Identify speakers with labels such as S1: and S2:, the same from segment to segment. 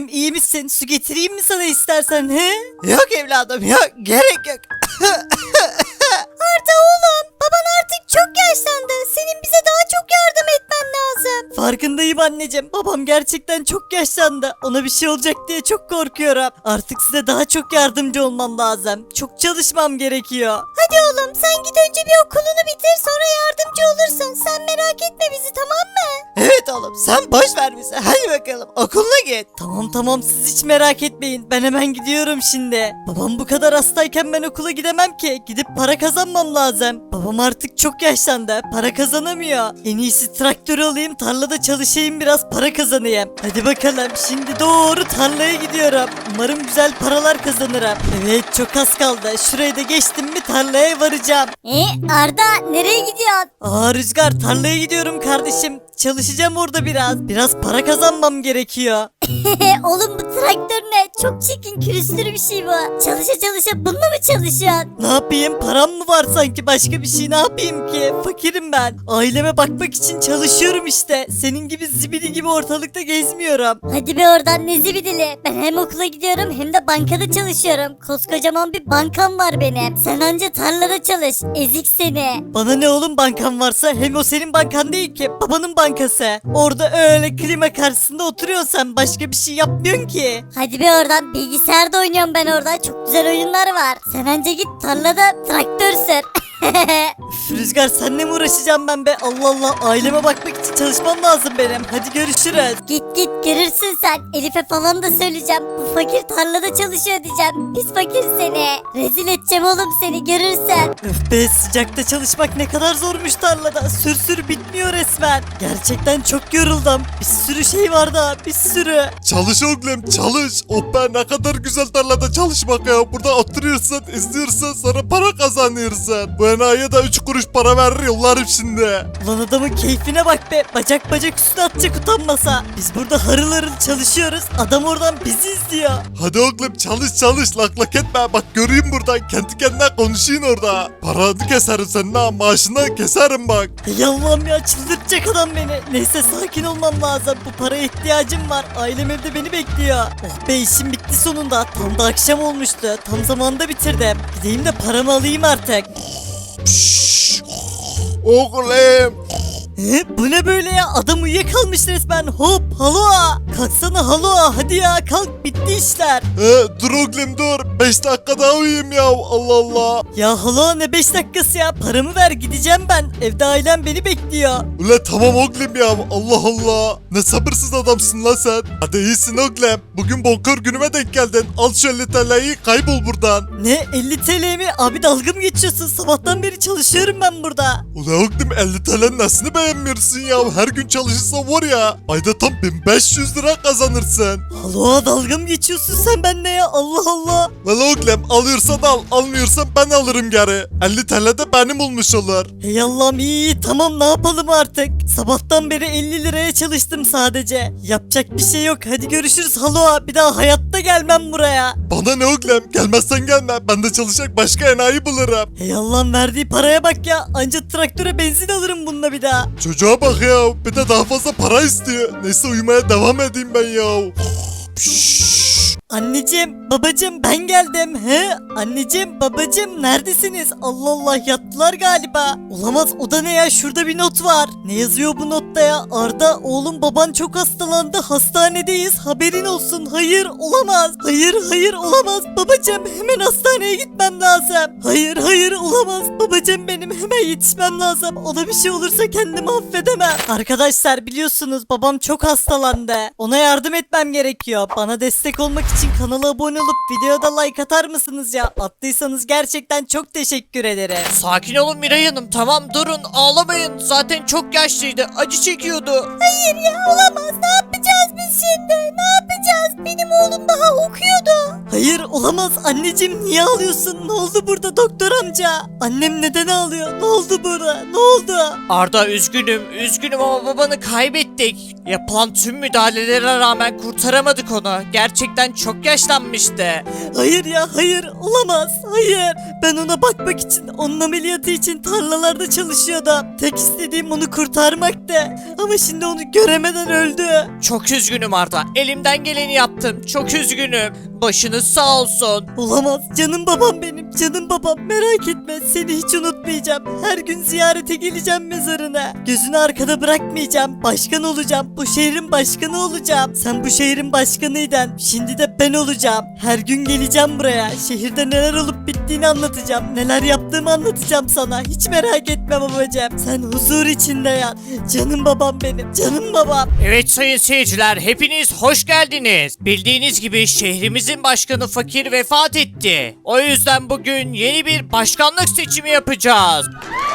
S1: İyi misin? Su getireyim mi sana istersen he? Yok evladım yok, gerek yok.
S2: Arda oğlum, baban artık çok yaşlandı. Senin bize daha çok yardım etmen lazım.
S1: Farkındayım anneciğim. Babam gerçekten çok yaşlandı. Ona bir şey olacak diye çok korkuyorum. Artık size daha çok yardımcı olmam lazım. Çok çalışmam gerekiyor.
S2: Hadi oğlum, sen git önce bir okulunu bitir, sonra yardımcı olursun. Sen merak etme bizi, tamam mı?
S1: Evet oğlum, sen boş ver bizi. Hadi bakalım okuluna git. Tamam siz hiç merak etmeyin. Ben hemen gidiyorum şimdi. Babam bu kadar hastayken ben okula gidemem ki. Gidip para kazanmam lazım. Babam artık çok yaşlandı. Para kazanamıyor. En iyisi traktör alayım, tarlada çalışayım, biraz para kazanayım. Hadi bakalım, şimdi doğru tarlaya gidiyorum. Umarım güzel paralar kazanırım. Evet, çok az kaldı. Şurayı da geçtim mi tarlaya varacağım.
S2: Arda, nereye gidiyorsun?
S1: Aa Rüzgar, tarlaya gidiyorum kardeşim. Çalışacağım orada biraz. Biraz para kazanmam gerekiyor.
S2: Oğlum, bu traktör ne? Çok çirkin, külüstür bir şey bu. Çalışa çalışa bununla mı çalışıyorsun?
S1: Ne yapayım? Param mı var sanki, başka bir şey ne yapayım ki? Fakirim ben. Aileme bakmak için çalışıyorum işte. Senin gibi zibidi gibi ortalıkta gezmiyorum.
S2: Hadi be oradan, ne zibidili. Ben hem okula gidiyorum hem de bankada çalışıyorum. Koskocaman bir bankam var benim. Sen anca tarlada çalış. Ezik seni.
S1: Bana ne oğlum, bankan varsa? Hem o senin bankan değil ki, babanın bankası. Orada öyle klima karşısında oturuyorsun sen, başka bir şey yapmıyorsun ki.
S2: Hadi be oradan, bilgisayarda oynuyorum ben orada. Çok güzel oyunlar var. Sen anca git tarlada traktör sür.
S1: Üf, Rüzgar, seninle mi uğraşacağım ben be? Allah Allah, aileme bakmak için çalışmam lazım benim. Hadi görüşürüz.
S2: Git görürsün sen. Elif'e falan da söyleyeceğim. Bu fakir tarlada çalışıyor diyeceğim. Pis fakir seni. Rezil edeceğim oğlum seni, görürsen.
S1: Öf be, sıcakta çalışmak ne kadar zormuş tarlada. Sür bitmiyor resmen. Gerçekten çok yoruldum. Bir sürü şey var daha, bir sürü.
S3: Çalış oğlum çalış. Oh be, ne kadar güzel tarlada çalışmak ya. Burada oturuyorsun, izliyorsun, sonra para kazanıyorsun. Bu enayiye de 3 kuruş para verir, yollarım şimdi.
S1: Ulan adamın keyfine bak be. Bacak üstüne atacak utanmasa. Biz burada harıl harıl çalışıyoruz. Adam oradan bizi izliyor.
S3: Hadi oğlum çalış lak lak etme. Bak göreyim buradan, kendi kendine konuşayım orada. Paranı keserim senin ha, maaşını keserim bak.
S1: Ey Allah'ım ya, çıldırtacak adam beni. Neyse, sakin olmam lazım. Bu paraya ihtiyacım var. Ailem evde beni bekliyor. Oh be, işim bitti sonunda. Tam da akşam olmuştu. Tam zamanında bitirdim. Gideyim de paramı alayım artık.
S3: Oğlum.
S1: Bu ne böyle ya? Adam uyuyakalmış resmen. Hop haloa. Kalksana haloa. Hadi ya kalk, bitti işler.
S3: Dur oğlum dur. 5 dakika daha uyuyayım ya. Allah Allah.
S1: Ya haloa, ne 5 dakikası ya? Paramı ver, gideceğim ben. Evde ailem beni bekliyor.
S3: Ula tamam oğlum ya. Allah Allah. Ne sabırsız adamsın lan sen. Hadi iyisin oğlum. Bugün bonkör günüme denk geldin. Al şu 50 TL'yi, kaybol buradan.
S1: Ne 50 TL mi? Abi dalga mı geçiyorsun? Sabahtan beri çalışıyorum ben burada.
S3: Ula oğlum 50 TL'nin nesini beğenmiyorsun ya? Her gün çalışırsan var ya, ayda tam 1500 lira kazanırsın.
S1: Haloa, dalga mı geçiyorsun sen benimle ya? Allah Allah.
S3: Valla oğlum alıyorsan al, almıyorsan ben alırım geri. 50 TL de benim olmuş olur.
S1: Hey Allah'ım, iyi tamam, ne yapalım artık? Sabahtan beri 50 liraya çalıştım sadece. Yapacak bir şey yok. Hadi görüşürüz haloa. Bir daha hayatta gelmem buraya.
S3: Bana ne oğlum, gelmezsen gelme, ben de çalışacak başka enayi bulurum.
S1: Hey Allah'ım, verdiği paraya bak ya. Anca traktöre benzin alırım bununla bir daha.
S3: Çocuğa bak ya, bir de daha fazla para istiyor. Neyse uyumaya devam edeyim ben ya.
S1: Anneciğim, babacığım, ben geldim. He? Anneciğim, babacığım, neredesiniz? Allah Allah, yattılar galiba. Olamaz, o da ne ya? Şurada bir not var. Ne yazıyor bu notta ya? Arda, oğlum, baban çok hastalandı. Hastanedeyiz. Haberin olsun. Hayır, olamaz. Hayır, olamaz. Babacığım, hemen hastaneye gitmem lazım. Hayır, olamaz. Babacığım benim, hemen yetişmem lazım. Ona bir şey olursa kendimi affedemem. Arkadaşlar, biliyorsunuz babam çok hastalandı. Ona yardım etmem gerekiyor. Bana destek olmak için kanala abone olup videoya da like atar mısınız ya? Attıysanız gerçekten çok teşekkür ederim.
S4: Sakin olun Miray Hanım, tamam durun, ağlamayın, zaten çok yaşlıydı, acı çekiyordu.
S2: Hayır ya, olamaz. Ne yapacağız biz şimdi? Ne yapacağız? Benim oğlum daha okuyordu.
S1: Hayır olamaz anneciğim niye ağlıyorsun? Ne oldu burada doktor amca? Annem neden ağlıyor? Ne oldu burada? Ne oldu?
S4: Arda üzgünüm ama babanı kaybettik. Yapılan tüm müdahalelere rağmen kurtaramadık onu. Gerçekten çok yaşlanmıştı.
S1: Hayır ya hayır olamaz hayır. Ben ona bakmak için onun ameliyatı için tarlalarda çalışıyordum. Tek istediğim onu kurtarmaktı. Ama şimdi onu göremeden öldü.
S4: Çok üzgünüm Arda. Elimden geleni yaptım. Çok üzgünüm. Başınız sağ olsun.
S1: Olamaz canım babam benim canım babam merak etme seni hiç unutmayacağım. Her gün ziyarete geleceğim mezarına. Gözünü arkada bırakmayacağım. Başkan olacağım. Bu şehrin başkanı olacağım. Sen bu şehrin başkanıydın. Şimdi de ben olacağım. Her gün geleceğim buraya. Şehirde neler olup bittiğini anlatacağım. Neler yaptığımı anlatacağım sana. Hiç merak etme babacığım. Sen huzur içinde yat. Canım babam benim. Canım babam.
S4: Evet sayın seyirciler, hepiniz hoş geldiniz. Bildiğiniz gibi şehrimizin başkanı Fakir vefat etti. O yüzden bugün yeni bir başkanlık seçimi yapacağız.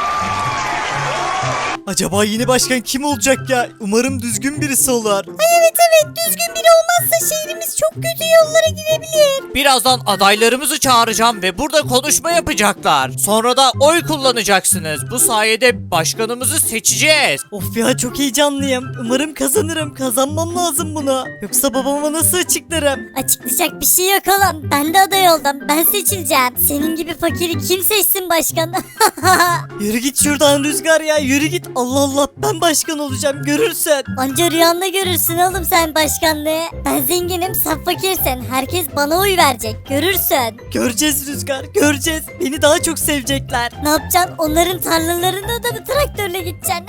S1: Acaba yeni başkan kim olacak ya? Umarım düzgün birisi olur.
S2: Evet düzgün biri olmazsa şehrimiz çok kötü yollara girebilir.
S4: Birazdan adaylarımızı çağıracağım ve burada konuşma yapacaklar. Sonra da oy kullanacaksınız. Bu sayede başkanımızı seçeceğiz.
S1: Of ya çok heyecanlıyım. Umarım kazanırım. Kazanmam lazım bunu. Yoksa babama nasıl açıklarım?
S2: Açıklayacak bir şey yok oğlum. Ben de aday oldum. Ben seçileceğim. Senin gibi fakiri kim seçsin başkan?
S1: Yürü git şuradan Rüzgar ya. Yürü git. Allah Allah ben başkan olacağım. Görürsün.
S2: Anca rüyanda görürsün oğlum sen başkanlığı. Ben zenginim sen fakirsin. Herkes bana oy verecek. Görürsün.
S1: Göreceğiz Rüzgar. Göreceğiz. Beni daha çok sevecekler.
S2: Ne yapacaksın? Onların tarlalarına da mı traktörle gideceksin?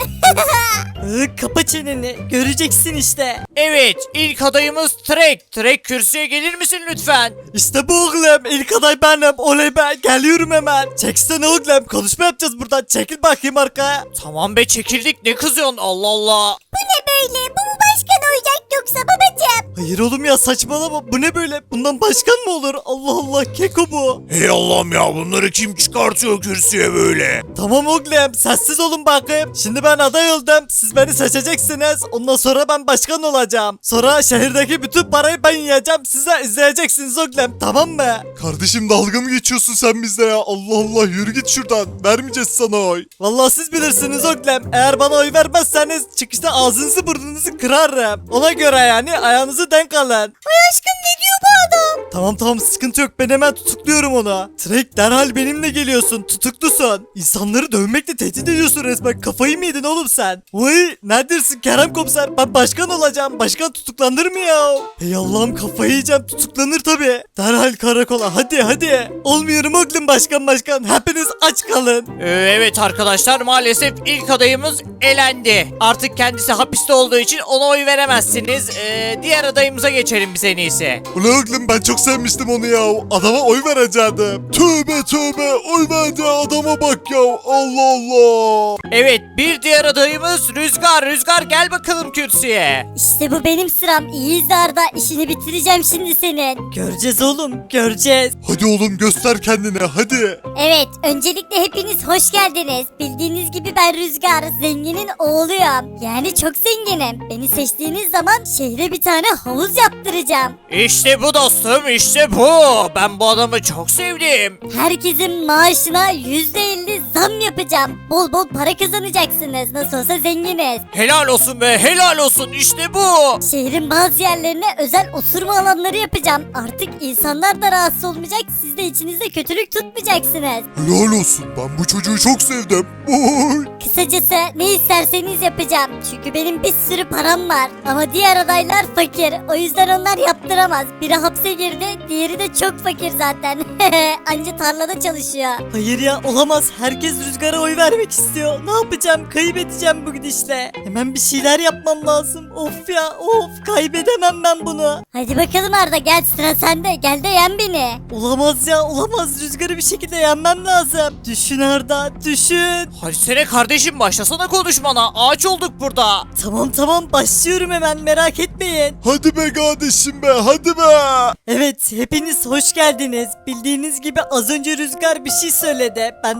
S1: Kapa çeneni. Göreceksin işte.
S4: Evet, ilk adayımız Trek. Trek kürsüye gelir misin lütfen?
S1: İşte bu oğlum. İlk aday benim. Oley be. Geliyorum hemen. Çeksene oğlum. Konuşma yapacağız buradan. Çekil bakayım arkaya.
S4: Tamam be, çekildik, ne kızıyorsun, Allah Allah.
S2: Bu ne böyle? Bu mu başkan olacak yoksa babacığım?
S1: Hayır oğlum ya saçmalama. Bu ne böyle? Bundan başkan mı olur? Allah Allah. Keko bu.
S3: Hey Allah'ım ya bunları kim çıkartıyor kürsüye böyle?
S1: Tamam oğlum sessiz olun bakayım. Şimdi ben aday oldum. Siz beni seçeceksiniz. Ondan sonra ben başkan olacağım. Sonra şehirdeki bütün parayı ben yiyeceğim. Siz de izleyeceksiniz oğlum. Tamam mı?
S3: Kardeşim dalga mı geçiyorsun sen bizle ya? Allah Allah yürü git şuradan. Vermeyeceğiz sana oy.
S1: Vallahi siz bilirsiniz oğlum. Eğer bana oy vermezseniz çıkışta ağzınızı burnunuzu kırarım. Ona göre yani ayağınızı denk alın.
S2: Aşkım ne diyor bu adam?
S1: Tamam sıkıntı yok. Ben hemen tutukluyorum onu. Trek derhal benimle geliyorsun. Tutuklusun. İnsanları dövmekle tehdit ediyorsun resmen. Kafayı mı yedin oğlum sen? Vay neredesin Kerem komiser? Ben başkan olacağım. Başkan tutuklanır mı ya? Hey Allah'ım kafayı yiyeceğim. Tutuklanır tabii. Derhal karakola. Hadi. Olmuyorum oğlum başkan. Hepiniz aç kalın.
S4: Evet arkadaşlar, maalesef ilk adayımız elendi. Artık kendisi hapiste olduğu için ona oy veremezsiniz. Diğer adayımıza geçelim biz en iyisi.
S3: Ulan oğlum ben çok sevmiştim onu ya. Adama oy verecektim. Tövbe oy verdiği adama bak ya. Allah Allah.
S4: Evet, bir diğer adayımız Rüzgar. Rüzgar gel bakalım kürsüye.
S2: İşte bu benim sıram. İyi izle Arda. İşini bitireceğim şimdi senin.
S1: Göreceğiz oğlum. Göreceğiz.
S3: Hadi oğlum göster kendini hadi.
S2: Evet, öncelikle hepiniz hoş geldiniz. Bildiğiniz gibi ben Rüzgar, zenginin oğluyum. Yani çok zenginim. Beni seçtiğiniz zaman şehre bir tane havuz yaptıracağım.
S4: İşte bu dostum, işte bu. Ben bu adamı çok sevdim.
S2: Herkesin maaşına %50 zam yapacağım. Bol bol para kazanacaksınız. Nasıl olsa zenginiz.
S4: Helal olsun be, helal olsun, işte bu.
S2: Şehrin bazı yerlerine özel oturma alanları yapacağım. Artık insanlar da rahatsız olmayacak. Siz de içinizde kötülük tutmayacaksınız.
S3: Helal olsun ben bu çocuğu çok sevdim. Oy.
S2: Kısacası ne isterseniz yapacağım. Çünkü benim bir sürü param var. Ama diğer adaylar fakir. O yüzden onlar yaptıramaz. Biri hapse girdi, diğeri de çok fakir zaten. Anca tarlada çalışıyor.
S1: Hayır ya olamaz. Herkes Rüzgar'a oy vermek istiyor. Ne yapacağım? Kaybedeceğim bu gidişle. Hemen bir şeyler yapmam lazım. Of ya of. Kaybedemem ben bunu.
S2: Hadi bakalım Arda, gel sıra sende. Gel de yen beni.
S1: Olamaz ya olamaz. Rüzgar'ı bir şekilde yenmem lazım. Düşün Arda düşün.
S4: Hadi sene kardeşim, başlasana konuşmana. Ağaç olduk burada.
S1: Tamam başlıyorum hemen merak etmeyin.
S3: Hadi be kardeşim be hadi be.
S1: Evet hepiniz hoş geldiniz. Bildiğiniz gibi az önce Rüzgar bir şey söyledi. Benden sonra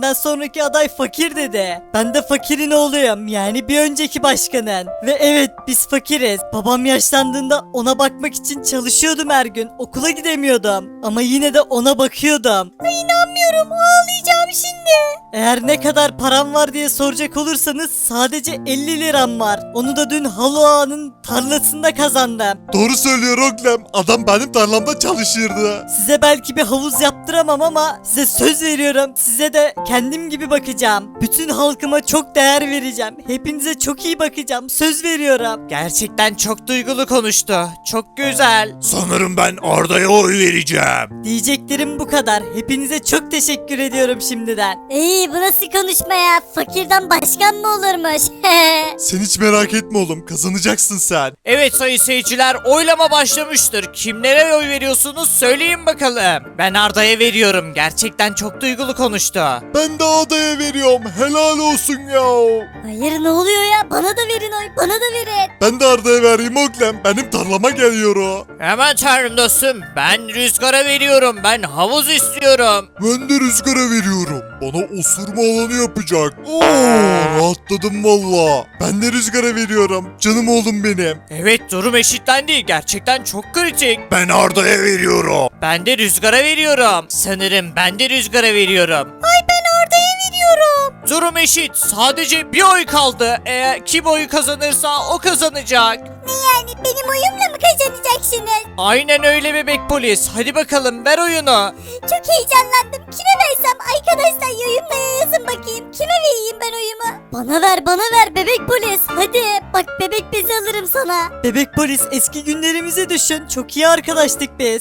S1: sonraki aday fakir dedi. Ben de fakirin oğluyum yani bir önceki başkanın. Ve evet biz fakiriz. Babam yaşlandığında ona bakmak için çalışıyordum her gün. Okula gidemiyordum. Ama yine de ona bakıyordum.
S2: Ay inanmıyorum ağlayacağım şimdi.
S1: Eğer ne kadar param var diye soracak olursanız sadece 50 liram var. Onu da dün Halo Ağa'nın tarlasında kazandım.
S3: Doğru söylüyor oğlum. Adam benim tarlamda çalışırdı.
S1: Size belki bir havuz yaptıramam ama size söz veriyorum. Size de kendim gibi bakacağım. Bütün halkıma çok değer vereceğim. Hepinize çok iyi bakacağım. Söz veriyorum.
S4: Gerçekten çok duygulu konuştu. Çok güzel.
S3: Sanırım ben Arda'ya oy vereceğim.
S1: Diyeceklerim bu kadar. Hepinize çok teşekkür ediyorum şimdiden.
S2: İyi bu nasıl konuşma ya? Fakirden başkan mı olurmuş?
S3: Sen hiç merak etme oğlum, kazanacaksın sen.
S4: Evet sayın seyirciler, oylama başlamıştır. Kimlere oy veriyorsunuz söyleyin bakalım. Ben Arda'ya veriyorum. Gerçekten çok duygulu konuştu.
S3: Ben de Arda'ya veriyorum, helal olsun ya.
S2: Hayır ne oluyor ya? Bana da verin oy, bana da verin.
S3: Ben de Arda'ya vereyim oğlum, benim tarlama geliyor o.
S4: Hemen tanrım dostum. Ben Rüzgar'a veriyorum. Ben havuz istiyorum.
S3: Ben de Rüzgar'a veriyorum. Bana osurma alanı yapacak. Oo, rahatladım valla. Ben de Rüzgar'a veriyorum. Canım oğlum benim.
S4: Evet durum eşitlendi. Gerçekten çok kritik.
S3: Ben Arda'ya veriyorum.
S4: Ben de Rüzgar'a veriyorum. Sanırım ben de Rüzgar'a veriyorum.
S2: Ay ben Arda'ya veriyorum.
S4: Durum eşit. Sadece bir oy kaldı. Eğer kim oyu kazanırsa o kazanacak.
S2: Ne yani benim oyumla mı kazanacaksınız?
S4: Aynen öyle bebek polis. Hadi bakalım ver oyunu.
S2: Çok heyecanlandım. Kime versem arkadaşlar yorumlara yazın bakayım. Kime vereyim ben oyumu? Bana ver bebek polis. Hadi bak bebek bezi alırım sana.
S1: Bebek polis eski günlerimizi düşün. Çok iyi arkadaştık biz.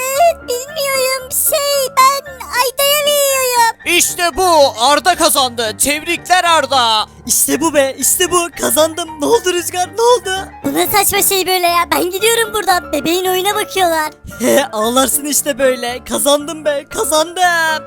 S2: Bilmiyorum ben Ayda'ya veriyorum.
S4: İşte bu. Arda kazandı. Tebrikler Arda.
S1: İşte bu be işte bu. Kazandım. Ne oldu Rüzgar ne oldu?
S2: Bu ne saçma şey böyle ya. Ben gidiyorum buradan. Bebeğin oyuna bakıyorlar.
S1: He ağlarsın işte böyle. Kazandım be kazandım.